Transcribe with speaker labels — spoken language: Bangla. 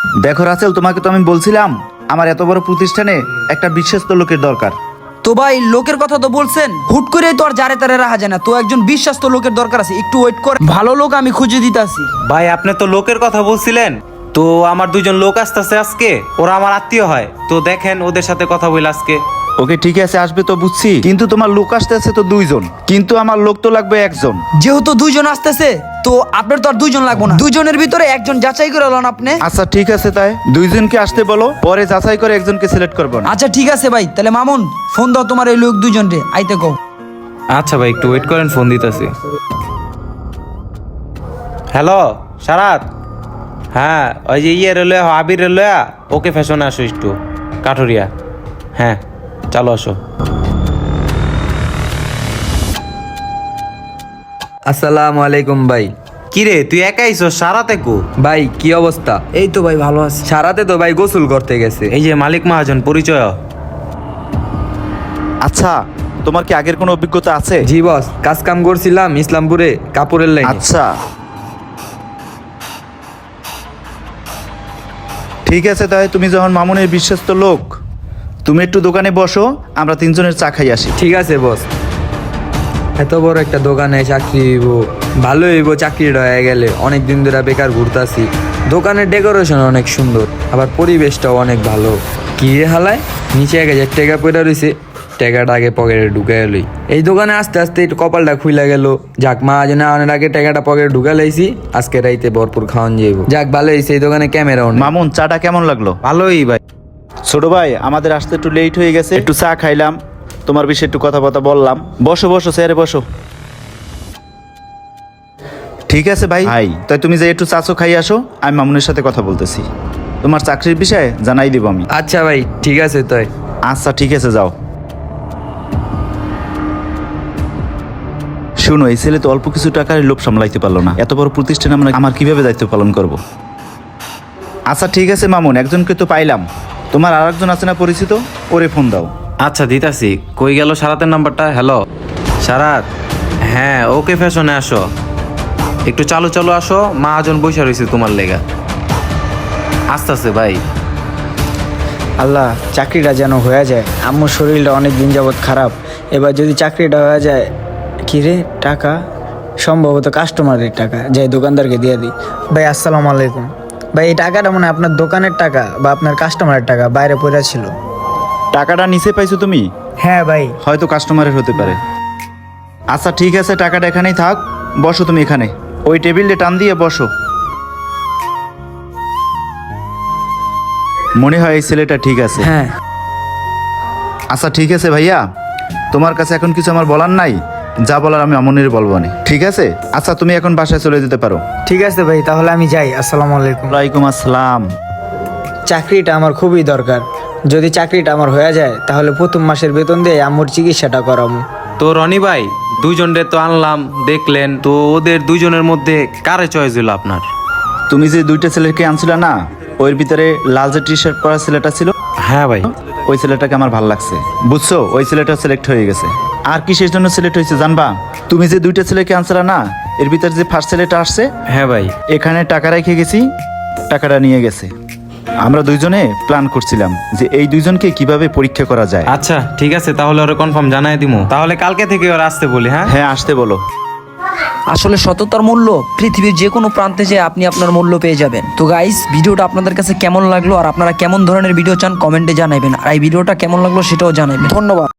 Speaker 1: দেখো রাসেল, তোমাকে তো আমি বলছিলাম আমার এত বড় প্রতিষ্ঠানে একটা বিশ্বস্ত লোকের দরকার।
Speaker 2: তো ভাই লোকের কথা তো বলছেন, হুট করে তো আর জারে তারে রাখা যায় না। তো একজন বিশ্বাস্ত লোকের দরকার আছে, একটু ওয়েট কর, ভালো লোক আমি খুঁজে দিতেছি।
Speaker 3: ভাই আপনি তো লোকের কথা বলছিলেন, তো আমার দুইজন লোক আসতেছে আজকে, ওরা আমার আত্মীয় হয়, তো দেখেন ওদের সাথে কথা বলে আজকে।
Speaker 1: ওকে ঠিক আছে, আসবে তো বুঝছি, কিন্তু তোমার লোক আসতে আছে তো 2 জন, কিন্তু আমার লোক তো লাগবে 1 জন।
Speaker 2: যেহেতু 2 জন আসতেছে, তো আপনার তো আর 2 জন লাগবে না, 2 জনের ভিতরে একজন যাচাই করে লন আপনি।
Speaker 1: আচ্ছা ঠিক আছে, তাই 2 জনকে আসতে বলো, পরে যাচাই করে একজনকে সিলেক্ট করবো না।
Speaker 2: আচ্ছা ঠিক আছে ভাই, তাহলে মামুন ফোন দাও তোমার এই লোক 2 জন রে, আইতে কও।
Speaker 3: আচ্ছা ভাই একটু ওয়েট করেন, ফোন দিতেছি। হ্যালো সারাত, হ্যাঁ ওই যে রেলওয়ে আবির রেলওয়ে, ওকে ফ্যাশনে আসো একটু কাঠুরিয়া। হ্যাঁ চলো আসো।
Speaker 4: আসসালামু আলাইকুম ভাই।
Speaker 3: কিরে তুই একাই আইছো, সারাতে কো?
Speaker 4: ভাই কি অবস্থা?
Speaker 2: এই তো ভাই ভালো আছে।
Speaker 4: সারাতে তো ভাই গোসল করতে গেছে।
Speaker 3: এই যে মালিক মহাজন, পরিচয়।
Speaker 1: আচ্ছা, তোমার কি আগের কোনো অভিজ্ঞতা আছে?
Speaker 4: জি বস, কাজ কাম করছিলাম ইসলামপুরে কাপড়ের লাইনে।
Speaker 1: আচ্ছা ঠিক আছে, তাই তুমি যখন মামুনের বিশ্বস্ত লোক, তুমি একটু দোকানে বসো, আমরা 3 জনের চা খাই আসি।
Speaker 4: ঠিক আছে বস। এত বড় একটা দোকানে চাকরি হইব, ভালো হইব চাকরিটা হয়ে গেলে। অনেক দিন ধরে বেকার ঘুরতাছি। দোকানের ডেকোরেশন অনেক সুন্দর, আবার পরিবেশটাও অনেক ভালো। কি রে হালায়, নিচে 1000 টাকা পড়ে রয়েছে, টাকাটা আগে পকেটে ঢুকে এলই। এই দোকানে আস্তে আস্তে একটু কপালটা খুইলা গেল। যাক, মা যেন অনেক আগে টাকাটা পকেটে ঢুকে লাইছি, আজকে রাইতে ভরপুর খাওয়ান যাইব। যাক ভালো হয়েছে, এই দোকানে ক্যামেরাও নেই।
Speaker 1: মামুন, চাটা কেমন লাগলো?
Speaker 3: ভালোই ভাই।
Speaker 1: ছোট ভাই, আমাদের আসতে একটু লেট হয়ে গেছে, একটু চা খাইলাম, তোমার বিষয়ে একটু কথাবার্তা বললাম। বসো বসো, চেয়ারে বসো। ঠিক আছে ভাই, তাই তুমি যে একটু চাচো খাই আসো, আমি মামুনের সাথে কথা বলতেছি, তোমার চাকরির বিষয়ে জানাই দিব আমি।
Speaker 4: আচ্ছা ভাই ঠিক আছে তাই।
Speaker 1: আচ্ছা ঠিক আছে, যাও। শুনো, এই ছেলে তো অল্প কিছু টাকার লোভ সামলাইতে পারলো না, এত বড় প্রতিষ্ঠানে আমার কিভাবে দায়িত্ব পালন করব। আচ্ছা ঠিক আছে মামুন, একজনকে তো পাইলাম, তোমার আর একজন আছে না পরিচিত, ওরে ফোন দাও।
Speaker 3: আচ্ছা দিতাছি। কই গেল সারাতের নাম্বারটা? হ্যালো সারাত, হ্যাঁ ওকে ফ্যাশনে আসো, একটু চালু চালু আসো, মহাজন বসে রয়েছে তোমার লেগা। আস্তে আস্তে ভাই।
Speaker 5: আল্লাহ, চাকরিটা যেন হয়ে যায়। আম্মুর শরীরটা অনেক দিন যাবৎ খারাপ, এবার যদি চাকরিটা হয়ে যায়। কি রে, টাকা সম্ভবত কাস্টমারের টাকা, যাই দোকানদারকে দিয়ে দিই। ভাই আসসালামু আলাইকুম। ভাই এই টাকাটা মনে হয় আপনার দোকানের টাকা বা আপনার কাস্টমারের টাকা, বাইরে পড়ে ছিল।
Speaker 1: টাকাটা নিচে পাইছো তুমি?
Speaker 5: হ্যাঁ ভাই।
Speaker 1: হয়তো কাস্টমারের হতে পারে। আচ্ছা ঠিক আছে, টাকাটা এখানেই থাক, বসো তুমি এখানে, ওই টেবিলে টান দিয়ে বসো। মনে হয় এই ছেলেটা ঠিক আছে।
Speaker 2: হ্যাঁ
Speaker 1: আচ্ছা ঠিক আছে ভাইয়া, তোমার কাছে এখন কিছু আমার বলার নাই, যা বলার আমি অমনের বলবো না, ঠিক আছে? আচ্ছা তুমি এখন বাসায় চলে যেতে পারো।
Speaker 5: ঠিক আছে ভাই, তাহলে আমি যাই। আসসালামু আলাইকুম।
Speaker 1: ওয়ালাইকুম আসসালাম।
Speaker 5: চাকরিটা আমার খুবই দরকার, যদি চাকরিটা আমার হয়ে যায় তাহলে প্রথম মাসের বেতন দিয়ে আম্মুর চিকিৎসাটা করাবো।
Speaker 3: তো রনি ভাই, দুইজনরে তো আনলাম, দেখলেন তো, ওদের দুইজনের মধ্যে কারে চয়েস হলো আপনার?
Speaker 1: তুমি যে 2টা ছেলেকে আনছিলে না, ওর ভিতরে লাল যে টি শার্ট পরা ছেলেটা ছিল,
Speaker 3: হ্যাঁ ভাই।
Speaker 1: ওই ছেলেটাকে আমার ভালো লাগছে, বুঝছো? ওই ছেলেটা সিলেক্ট হয়ে গেছে। আর কিসের জন্য সিলেক্ট হয়েছে জানবা? তুমি যে 2টা ছেলেকে আনছিলে না, এর ভিতরে যে ফার্স্ট ছেলেটা আসছে,
Speaker 3: হ্যাঁ ভাই।
Speaker 1: এখানে টাকা রেখে গেছি, টাকাটা নিয়ে গেছে। আমরা 2 জনে প্ল্যান করছিলাম যে এই 2 জনকে কিভাবে পরীক্ষা করা যায়।
Speaker 3: আচ্ছা ঠিক আছে, তাহলে ওরা কনফার্ম জানাই দিমু, তাহলে কালকে থেকে ওরা আসতে বলি। হ্যাঁ
Speaker 1: হ্যাঁ, আসতে বলো।
Speaker 2: আসলে সততার মূল্য পৃথিবীর যে কোনো প্রান্তে যে আপনি আপনার মূল্য পেয়ে যাবেন। তো গাইস, ভিডিওটা আপনাদের কাছে কেমন লাগলো আর আপনারা কেমন ধরনের ভিডিও চান কমেন্টে জানাবেন, আর এই ভিডিওটা কেমন লাগলো সেটাও জানাবেন। ধন্যবাদ।